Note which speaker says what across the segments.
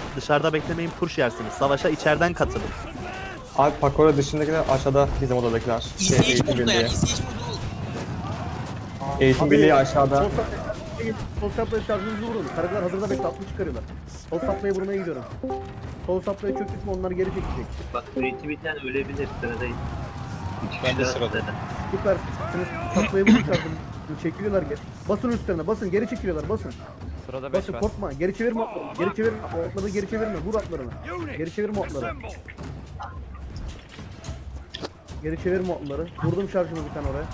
Speaker 1: Dışarıda beklemeyin, push yersiniz. Savaşa içeriden katılın.
Speaker 2: Abi Pakora dışındakiler aşağıda bizim odadakiler.
Speaker 3: İzleyici
Speaker 2: Eğitim
Speaker 3: modunda yani
Speaker 2: birliği.
Speaker 3: izleyici modu.
Speaker 2: Eğitim birliği aşağıda.
Speaker 4: Sol saplayı şarjınızı vurun. Karagılar hazırda bekle, 60 çıkarıyorlar. Sol saplayı vurmaya gidiyorum. Sol saplayı çöktük mü onlar geri çekecek.
Speaker 5: Bak üretim biten ölebilir sıradayız.
Speaker 6: Ben de sırada.
Speaker 4: Süpersiniz. Saplayı vurun şarjını. Çekiliyorlar geri. Basın üstlerine basın, geri çekiliyorlar basın.
Speaker 7: Sırada 5
Speaker 4: Basın
Speaker 7: var.
Speaker 4: korkma, geri çevirme atlarını. Geri çevirme atlarını, geri çevirme. Vur atlarını. Geri çevirme atları. Geri çevirme atları. Vurdum şarjımı bir tane oraya.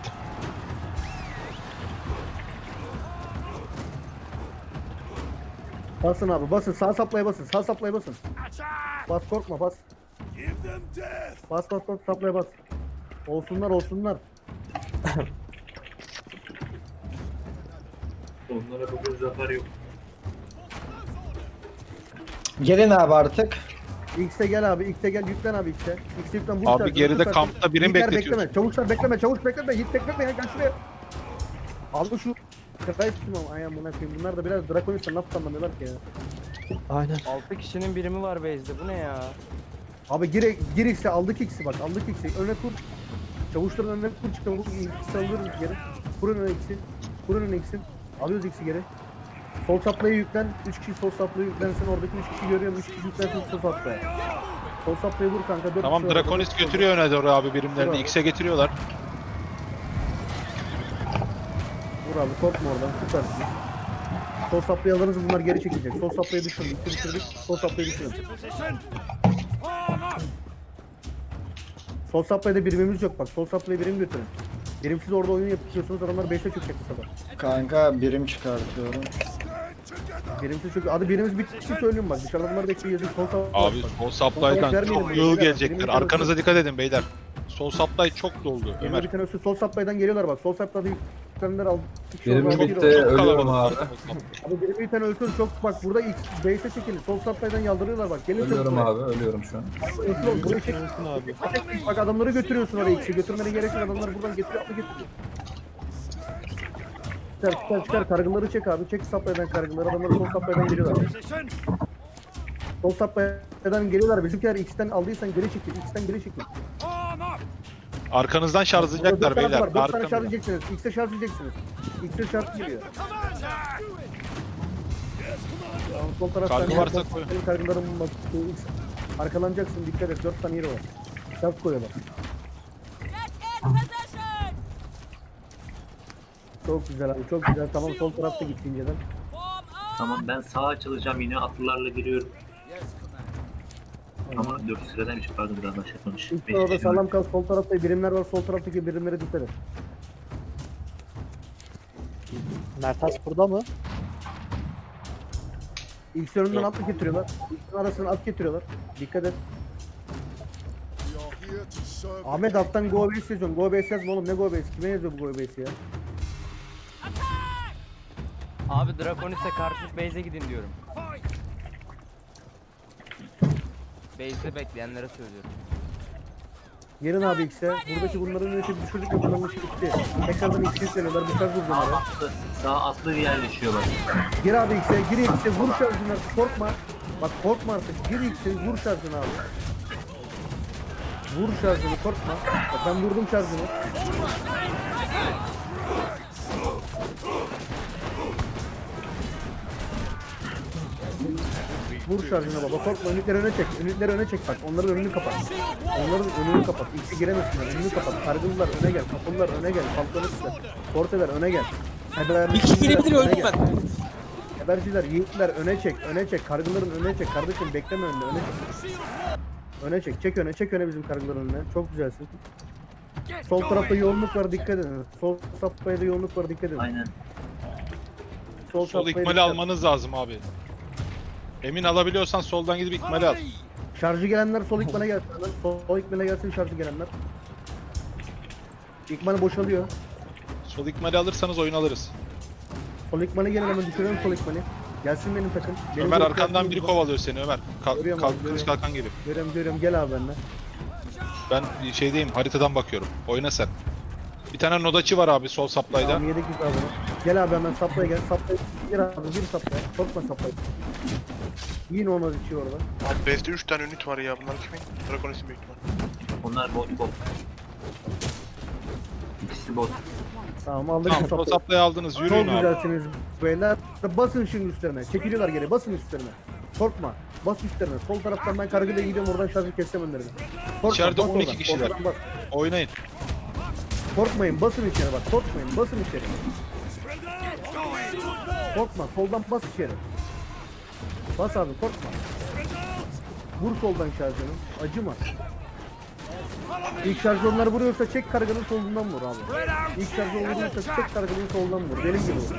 Speaker 4: Basın abi basın, sağ saplaya basın, sağ saplaya basın. Bas korkma bas. Bas bas bas saplaya bas. Olsunlar olsunlar.
Speaker 5: Onlara bugün zafer yok.
Speaker 8: Gelin abi artık.
Speaker 4: X'e gel abi, X'e gel, yüklen abi X'e. X'e yüklen, vur
Speaker 6: Abi
Speaker 4: şarjını,
Speaker 6: geride
Speaker 4: vur şarjını.
Speaker 6: kampta birini
Speaker 4: Yiğitler
Speaker 6: bekletiyorsun.
Speaker 4: bekleme, çavuşlar bekleme, çavuş bekleme, Yiğit bekleme ya, gel şuraya. Al şu. Christ kim ayağım buna koyayım. Bunlar da biraz Draconis'ten laf anlamıyorlar ki ya.
Speaker 1: Aynen.
Speaker 7: 6 kişinin birimi var base'de. Bu ne ya?
Speaker 4: Abi gir X'e, aldık X'i bak, aldık X'i. Öne kur. Çavuşların önüne kur çıkalım, X'i alırız geri. Kurun öne X'i. Kurun öne X'i. Alıyoruz X'i geri. Sol saplaya yüklen, 3 kişi sol saplaya yüklensin, oradaki 3 kişi görüyorum, 3 kişi yüklensin sol saplaya. Sol saplaya vur kanka, 4
Speaker 6: Tamam,
Speaker 4: kişi var orada.
Speaker 6: Draconis götürüyor öne doğru abi birimlerini.
Speaker 4: Bravo.
Speaker 6: X'e getiriyorlar.
Speaker 4: Vur abi, korkma oradan, süpersiniz. Sol saplaya alırız, bunlar geri çekilecek. Sol saplaya düşürün, düşürdük, sol saplaya düşürün. Sol saplayda birimimiz yok bak, sol saplaya birim götürün. Birimsiz orada oyun yapıyorsunuz, adamlar 5'e çökecek bu sefer.
Speaker 8: Kanka birim çıkartıyorum.
Speaker 4: Birimsiz çünkü adı birimiz bitti söylüyorum bak, dışarıda bunlar bekliyor yazık, sol saplaya.
Speaker 6: Abi sol supply'dan çok yığıl gelecektir. Arkanıza dikkat edin beyler. Sol supply çok doldu
Speaker 4: Ömer.
Speaker 6: Ömer.
Speaker 4: Sol saplaydan geliyorlar bak, sol saplayda yüklenenler aldı.
Speaker 9: Benim
Speaker 4: Abi
Speaker 9: bitti, ölüyorum abi.
Speaker 4: Abi birimi bir tane ölçün çok bak, burada X base'e çekilin, sol saplaydan yaldırıyorlar bak, gelin
Speaker 9: Ölüyorum
Speaker 4: çabuk
Speaker 9: abi, ölüyorum şu an.
Speaker 4: buraya. Buraya çek. Bak adamları götürüyorsun oraya, X'i götürmene gerek yok, adamlar buradan getiriyor, atlı getiriyor. Çıkar, kargıları çek abi, çek saplaydan kargıları, adamlar sol saplaydan geliyorlar. Sol saplaydan geliyorlar, bizimkiler X'ten aldıysan geri çekil, X'ten geri çekil.
Speaker 6: Arkanızdan şarjlayacaklar beyler.
Speaker 4: 4 tane şarj
Speaker 6: Arkanızdan.
Speaker 4: edeceksiniz, X'e şarj edeceksiniz. X'e şarj geliyor. Tamam, sol taraftan
Speaker 6: Kargı varsa koy.
Speaker 4: Senin kargıların bak, X. Arkalanacaksın, dikkat et, 4 tane yeri var. Şarj koyuyorlar. Çok güzel abi, çok güzel. Tamam, sol tarafta gitti inceden.
Speaker 5: Tamam ben sağa açılacağım yine atlılarla giriyorum. Ama 4 sıradaymış pardon biraz aşağı konuş.
Speaker 4: İlk orada sağlam kal, sol tarafta birimler var, sol taraftaki birimlere dikkat et.
Speaker 1: Mertas burada mı?
Speaker 4: İlk önünden
Speaker 6: Yok.
Speaker 4: at getiriyorlar. İlk arasından at getiriyorlar. Dikkat et. Ahmet alttan go base yazıyorsun. Go base yazma oğlum, ne go base? Kime yazıyor bu go base ya?
Speaker 7: Abi Draconis'e karşı base'e gidin diyorum. Base'de bekleyenlere söylüyorum.
Speaker 4: Gelin abi X'e. Buradaki bunların yöneti düşürdük ve bunların işi bitti. Tekrardan X'e yükleniyorlar. Bir şarj vur bunlara.
Speaker 5: Sağ atlı yerleşiyor bak.
Speaker 4: Gir abi X'e. Gir X'e. Vur şarjını artık. Korkma. Bak korkma artık. Gir X'e. Vur şarjını abi. Vur şarjını. Korkma. Bak ben vurdum şarjını. Vur şarjına baba, korkma, ünitleri öne çek, ünitleri öne çek bak, onların önünü kapat. Onların önünü kapat, X'i giremesinler, önünü kapat, kargılılar öne gel, kapılar öne gel, falkları tutar, forteler öne gel.
Speaker 3: Bir kişi girebilir öldüm ben.
Speaker 4: Haberciler, yiğitler öne çek, kargıların önüne çek, kardeşim bekleme önüne, öne çek. Öne çek, çek öne bizim kargıların önüne, çok güzelsin. Sol tarafta yoğunluk var, dikkat edin. Sol sapmaya da yoğunluk var, dikkat edin.
Speaker 5: Aynen.
Speaker 6: Sol
Speaker 4: sapmaya
Speaker 6: ikmali
Speaker 4: dikkat.
Speaker 6: almanız lazım abi. Emin alabiliyorsan soldan gidip ikmali al.
Speaker 4: Şarjı gelenler sol ikmale gelsin. Sol ikmale gelsin şarjı gelenler. İkmal boşalıyor.
Speaker 6: Sol ikmali alırsanız oyun alırız.
Speaker 4: Sol ikmale gelin, hemen düşürüyorum sol ikmali. Gelsin benim takım. Benim
Speaker 6: Ömer
Speaker 4: grup
Speaker 6: arkandan
Speaker 4: gelsin.
Speaker 6: biri kovalıyor seni Ömer.
Speaker 4: Görüyorum
Speaker 6: Kalk
Speaker 4: abi,
Speaker 6: kılıç
Speaker 4: görüyorum.
Speaker 6: kalkan gibi.
Speaker 4: Görüyorum, gel abi benimle.
Speaker 6: Ben şeydeyim, haritadan bakıyorum. Oyna sen. Bir tane nodaçı var abi sol supply'da.
Speaker 4: Tamam, yedik biz abi. Gel abi hemen saplaya gel. Saplaya gel abi, bir saplaya. Korkma saplaya. Yine ona içi orada.
Speaker 9: Abi base'de 3 tane ünit var ya. Bunlar kimin? Draconis'in büyük ihtimal.
Speaker 5: Onlar bot. İkisi bot.
Speaker 4: Tamam aldık
Speaker 6: Tamam,
Speaker 4: bu saplayı.
Speaker 6: saplayı aldınız.
Speaker 4: Çok
Speaker 6: Yürüyün abi.
Speaker 4: güzelsiniz beyler. Basın şimdi üstlerine. Çekiliyorlar geri. Basın üstlerine. Korkma. Bas üstlerine. Sol taraftan ben kargıyla gidiyorum. Oradan şarjı keseceğim önlerine. Korkma,
Speaker 6: İçeride
Speaker 4: bas
Speaker 6: 12
Speaker 4: oradan,
Speaker 6: kişiler.
Speaker 4: oradan bas.
Speaker 6: Oynayın.
Speaker 4: Korkmayın. Basın içeri bak. Korkmayın. Basın içeri. Korkma. Soldan bas içeri. Bas abi. Korkma. Vur soldan şarjını. Acıma. İlk şarjı onlar vuruyorsa çek karganın solundan vur abi. İlk şarjı vuruyorsa çek karganın solundan vur. Benim gibi vur.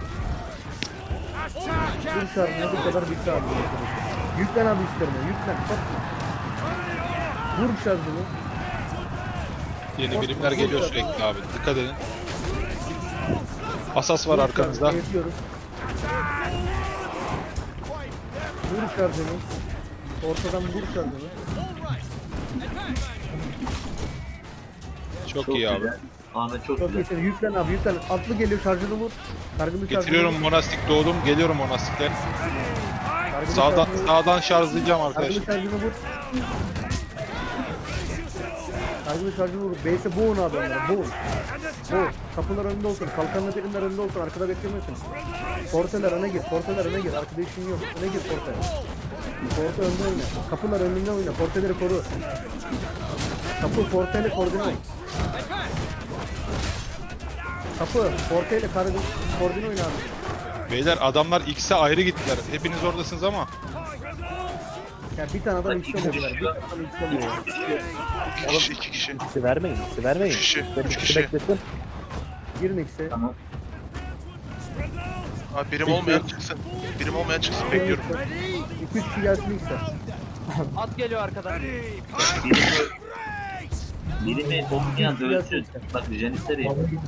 Speaker 4: Bir şarjına bu kadar bitti abi. Yüklen abi üstlerine. Yüklen. Korkma. Vur şarjını.
Speaker 6: Yeni birimler geliyor sürekli abi. Dikkat edin. Asas var arkanızda.
Speaker 4: Yetiyoruz. Vur şarjını. Ortadan vur şarjını.
Speaker 6: Çok iyi abi.
Speaker 5: güzel. Ahmet çok
Speaker 4: Çok
Speaker 5: güzel.
Speaker 4: iyisin. Yüklen abi yüklen. Atlı geliyor şarjını vur. Kargılı şarjını
Speaker 6: Getiriyorum
Speaker 4: vur.
Speaker 6: monastik doğdum. Geliyorum monastikler.
Speaker 4: Kargılı
Speaker 6: Sağdan
Speaker 4: şarjını vur.
Speaker 6: sağdan şarjlayacağım
Speaker 4: Kargılı
Speaker 6: arkadaşlar.
Speaker 4: şarjını vur. Kargılı şarjını vur. Base'e boğun abi onları. Boğun. Boğun. Kapılar önünde olsun. Kalkanlı birimler önünde olsun. Arkada beklemesin. Porteler öne gir. Porteler öne gir. Arkada işin yok. Öne gir porte. Porte önde oyna. Kapılar önünde oyna. Porteleri koru. Kapı porteyle koordine ol. Kapı porteyle koordine oyna abi.
Speaker 6: Beyler adamlar X'e ayrı gittiler. Hepiniz oradasınız ama.
Speaker 4: Yani bir tane adam X oluyor. Bir tane X oluyor.
Speaker 9: 2 kişi, 2 kişi.
Speaker 1: İkisi vermeyin. İkisi vermeyin.
Speaker 9: Üç kişi,
Speaker 1: İkisi
Speaker 9: üç kişi.
Speaker 1: bekletin.
Speaker 4: Girin X'e.
Speaker 5: Tamam.
Speaker 9: Abi birim olmayan çıksın. Birim olmayan çıksın bekliyorum.
Speaker 4: 2-3 kişi gelsin X'e.
Speaker 7: At geliyor arkadan.
Speaker 5: Birimi olmayan da ölsün. Bak Janitleri.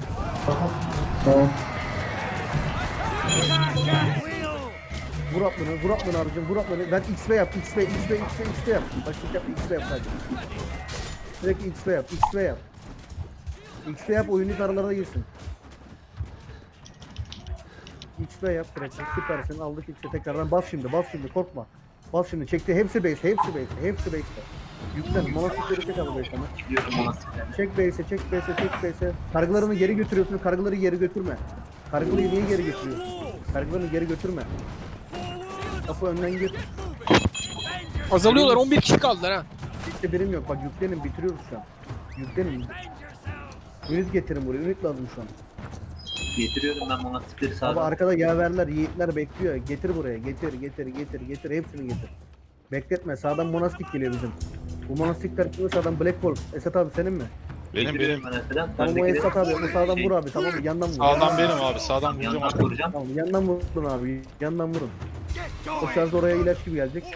Speaker 4: Vur atlını abicim, vur atlını. Ben X'le yap, X'le yap. Başlık yap, X'le yap sadece. Sürekli X'le yap. X'le yap, oyunun aralarına girsin. X'le yap sürekli, süpersin, aldık X'e tekrardan bas şimdi, korkma. Bas şimdi, çekti, hepsi base'te. Yüklen, monastikleri çek abi base'e.
Speaker 5: Gidiyorum monastiklerine.
Speaker 4: Çek base'e. Kargılarını geri götürüyorsun, kargıları geri götürme. Kargıları niye geri götürüyorsun? Kargılarını geri götürme. Kapı önden gir.
Speaker 3: Azalıyorlar 11 kişi kaldılar ha.
Speaker 4: İşte birim yok. Bak yüklenin bitiriyoruz şu an. Yüklenin. Ünit getirin buraya. Ünit lazım şu an.
Speaker 5: Getiriyorum ben monastikleri
Speaker 4: Abi
Speaker 5: sağdan.
Speaker 4: arkada yaverler, yiğitler bekliyor. Getir buraya. Getir. Hepsini getir. Bekletme. Sağdan monastik geliyor bizim. Bu monastikler kimi sağdan? Black Wolf. Esat abi senin mi?
Speaker 6: Benim.
Speaker 5: Getiriyorum ben arkadan.
Speaker 4: Tamam o
Speaker 5: Öndekileri-
Speaker 4: Esat abi. O sağdan
Speaker 5: Şey,
Speaker 4: vur abi. Tamam mı? Yandan vur.
Speaker 6: Sağdan benim abi. Sağdan vuracağım
Speaker 5: Yandan
Speaker 6: abi.
Speaker 5: vuracağım.
Speaker 4: Tamam yandan vurun abi. Yandan vurun. O şarj oraya ilaç gibi gelecek.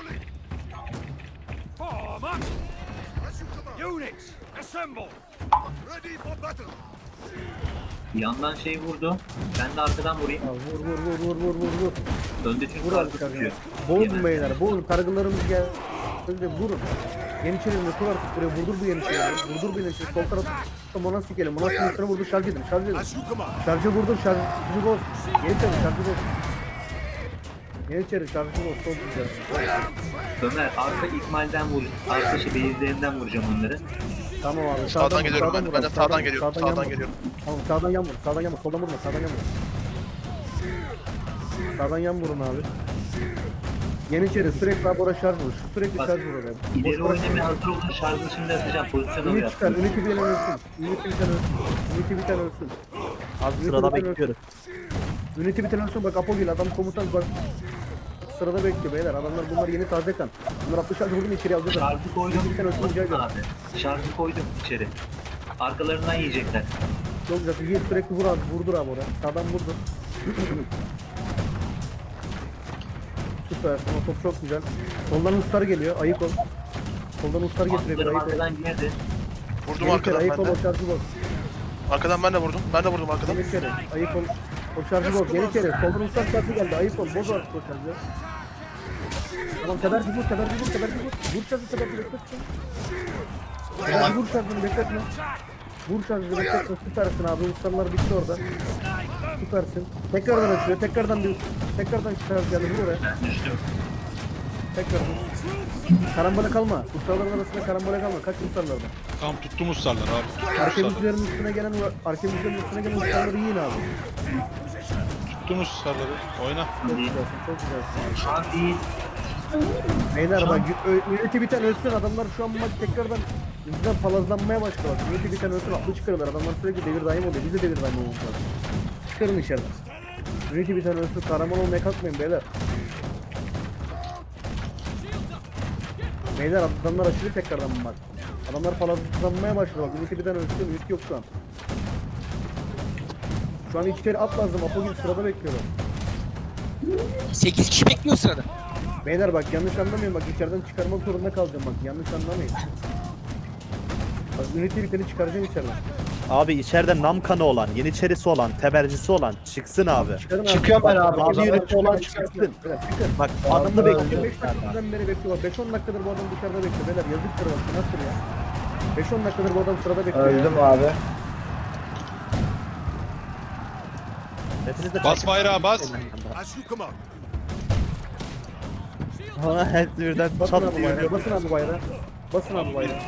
Speaker 5: Yandan şey vurdu. Ben de arkadan vurayım.
Speaker 4: Ya vur.
Speaker 5: Önde çünkü
Speaker 4: Vur abi
Speaker 5: karşı
Speaker 4: kargıları.
Speaker 5: tutuyor.
Speaker 4: Boğun beyler. Boğun. Kargılarımız geldi. Vurun. Yeniçeri'nin kur artık buraya. Vurdur bu Yeniçeri'yi. Sol tarafta monastik geliyor. Monastik'in üstüne vurdu. Şarj edin. Şarjı vurdur. Şarjı boz. Yeniçeri şarjı boz. Yeniçeri şarjı boz. Çok güzel.
Speaker 5: Ömer arka ikmalden vur. Arka şey beyizlerinden vuracağım onları.
Speaker 4: Tamam abi.
Speaker 9: Sağdan geliyorum ben.
Speaker 4: vur
Speaker 9: Ben de
Speaker 4: abi,
Speaker 9: sağdan geliyorum.
Speaker 4: yan
Speaker 9: Sağdan
Speaker 4: vur.
Speaker 9: geliyorum.
Speaker 4: Tamam sağdan yan vur. Soldan vurma. Sağdan yan vurun abi. Yeniçeri sürekli abi oraya şarj vur. Sürekli
Speaker 5: Bak,
Speaker 4: şarj vur oraya.
Speaker 5: İleri
Speaker 4: Boş bırak.
Speaker 5: oynamaya hazır olun. Şarjını şimdi atacağım. Pozisyon alıyor.
Speaker 4: Ünit çıkar. Üniti bir tane ölsün. Üniti bir tane ölsün.
Speaker 1: Abi sırada bekliyoruz.
Speaker 4: Üniti bir tane ölsün. Bak Apo gel. Adam komutan bak. Sırada bekliyor beyler. Adamlar bunlar yeni taze kan. Bunlar 60 şarjı vurdum içeri alacaklar.
Speaker 5: Şarjı koydum.
Speaker 4: Üniti bir tane ölsün. Rica ediyorum.
Speaker 5: Abi. Şarjı koydum içeri. Arkalarından yiyecekler.
Speaker 4: Çok güzel. Yiğit sürekli vur abi. Vurdur abi oraya. Sağdan vurdur. Süpersin. O top çok güzel. Soldan ustar geliyor. Ayık ol. Soldan ustar getiriyor.
Speaker 5: Atlarım
Speaker 4: Ayık ol.
Speaker 5: arkadan girdi.
Speaker 9: Vurdum
Speaker 4: Yeniçeri
Speaker 9: arkadan
Speaker 4: ayık
Speaker 9: ben
Speaker 4: ol.
Speaker 9: de.
Speaker 4: O şarjı boz.
Speaker 9: Arkadan ben de vurdum. Ben de vurdum arkadan.
Speaker 4: Yeniçeri ayık ol. O şarjı boz. Yeniçeri. Soldan ustar şarjı geldi. Ayık ol. Boz artık o şarjı. Tamam teberki vur. Vur şarjı bekletme. Vur şarjını bekletme. Vur şarjını bekletme. Süpersin abi. Ustalar bitti orada. Süpersin. Tekrardan açıyor. Tekrardan şarj geldi. Vur oraya.
Speaker 5: Ben düştüm.
Speaker 4: Tekrar dur. Karambole kalma. Kutsarların arasında karambole kalma. Kaç kutsarlarda?
Speaker 6: Tam tuttum ustarlar abi.
Speaker 4: Arkamızların üstüne gelen kutsarları yiyin abi.
Speaker 6: Tuttum ustarları. Oyna.
Speaker 4: Çok güzelsin, çok güzelsin.
Speaker 5: Şu an değil.
Speaker 4: Beyler bak ünite biten ölsün adamlar şu an bu maç tekrardan bizden palazlanmaya başladı. Ünite biten ölsün aklı çıkarırlar. Adamlar sürekli devir daim oluyor. Biz de devir daim olmamız lazım. Çıkarın içeriden. Ünite biten ölsün kahraman olmaya kalkmayın beyler. Beyler adamlar aşırı tekrardan bu maç. Adamlar palazlanmaya başladı bak. Ünite biten ölsün. Ünite yok şu an. Şu an içeri at lazım. Apo gibi sırada bekliyorum.
Speaker 3: 8 kişi bekliyor sırada.
Speaker 4: Beyler bak yanlış anlamayın bak içeriden çıkarmak zorunda kalacağım bak yanlış anlamayın. Bak ünite biteni çıkaracağım içeriden.
Speaker 1: Abi içeride Namkan'ı olan, Yeniçerisi olan, Tebercisi olan çıksın abi.
Speaker 4: Çıkarın abi.
Speaker 8: Çıkıyorum ben abi.
Speaker 1: Abi
Speaker 4: Çıkın,
Speaker 1: yönetici olan
Speaker 4: çıkın.
Speaker 1: çıksın.
Speaker 4: Beyler, çıkın.
Speaker 1: Bak
Speaker 4: Adamı
Speaker 1: adamı
Speaker 4: bekliyor.
Speaker 1: bekliyor.
Speaker 4: 5 dakikadan beri bekliyor. 5-10 dakikadır bu adam dışarıda bekliyor. Beyler yazıktır bak. Nasıl ya? 5-10 dakikadır bu adam sırada bekliyor.
Speaker 8: Öldüm abi.
Speaker 1: Hepiniz de
Speaker 6: Bas bayrağı bas.
Speaker 1: Ha hepsi birden
Speaker 4: Basın
Speaker 1: çat
Speaker 4: abi
Speaker 1: diyor.
Speaker 4: bayrağı. Basın abi bayrağı. Basın abi bayrağı.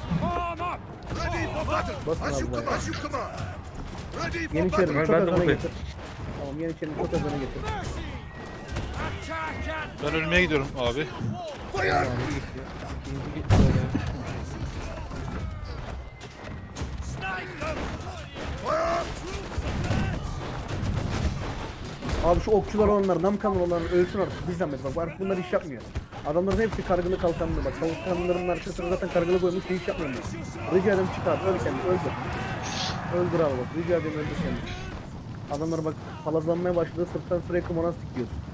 Speaker 4: Basın abi bayrağı. Yeniçerini çok az öne getir. Tamam Yeniçerini çok az öne getir.
Speaker 6: Ben ölmeye gidiyorum abi.
Speaker 4: Abi şu okçular olanlar, namkanlı olanlar ölsün artık. Bir zahmet bak artık bunlar iş yapmıyor. Adamların hepsi kargılı kalkanlı bak. Kalkanların arkasına zaten kargılı koymuş hiç yapmıyorlar. Rica ederim çık abi öl kendini öldür. Öldür abi bak rica ederim öldür kendini. Adamlar bak palazlanmaya başladı sırttan sürekli monastik yiyorsun.